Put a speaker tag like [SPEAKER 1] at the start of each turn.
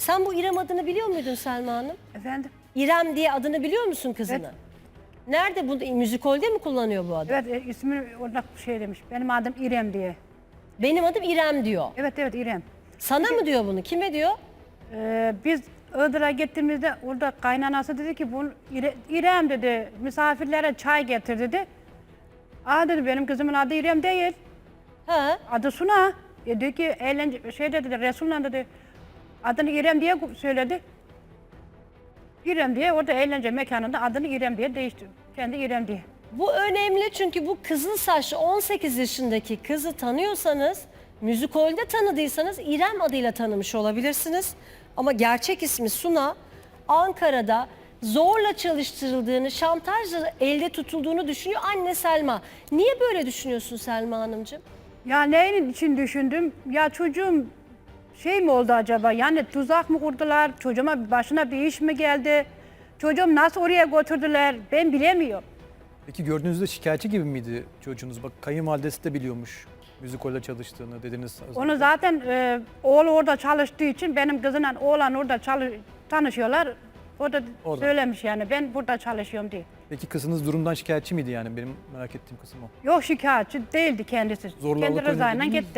[SPEAKER 1] Sen bu İrem adını biliyor muydun Selma Hanım?
[SPEAKER 2] Efendim?
[SPEAKER 1] İrem diye adını biliyor musun kızını?
[SPEAKER 2] Evet.
[SPEAKER 1] Nerede bu müzikolde mi kullanıyor bu adı?
[SPEAKER 2] Evet ismi orada şey demiş. Benim adım İrem diye.
[SPEAKER 1] Benim adım İrem diyor.
[SPEAKER 2] Evet İrem.
[SPEAKER 1] Sana mı diyor bunu? Kime diyor?
[SPEAKER 2] Biz Iğdır'a gittiğimizde orada kaynanası dedi ki bunu İrem dedi misafirlere çay getir dedi. Aa dedi benim kızımın adı İrem değil.
[SPEAKER 1] Ha?
[SPEAKER 2] Adı Suna. Dedi ki eğlence şey dedi Resul'la dedi adını İrem diye söyledi. İrem diye orada eğlence mekanında adını İrem diye değiştirdi. Kendi İrem diye.
[SPEAKER 1] Bu önemli çünkü bu kızıl saçlı 18 yaşındaki kızı tanıyorsanız, müzikolde tanıdıysanız İrem adıyla tanımış olabilirsiniz. Ama gerçek ismi Suna, Ankara'da zorla çalıştırıldığını, şantajla elde tutulduğunu düşünüyor anne Selma. Niye böyle düşünüyorsun Selma Hanımcığım?
[SPEAKER 2] Ya neyin için düşündüm? Ya çocuğum şey mi oldu acaba? Yani tuzak mı kurdular? Çocuğuma başına bir iş mi geldi? Çocuğum nasıl oraya götürdüler? Ben bilemiyorum.
[SPEAKER 3] Peki gördüğünüzde şikayetçi gibi miydi çocuğunuz? Bak kayınvalidesi de biliyormuş müzikolde çalıştığını dediniz.
[SPEAKER 2] Onu zaten oğlu orada çalıştığı için benim kızımla oğlan orada tanışıyorlar. Orada söylemiş yani ben burada çalışıyorum diye.
[SPEAKER 3] Peki kızınız durumdan şikayetçi miydi yani? Benim merak ettiğim kısım o.
[SPEAKER 2] Yok şikayetçi değildi kendisi.
[SPEAKER 3] Zorla
[SPEAKER 2] Kendi
[SPEAKER 3] alıkoyun
[SPEAKER 2] rızayla
[SPEAKER 3] dediniz mi?
[SPEAKER 2] gitti.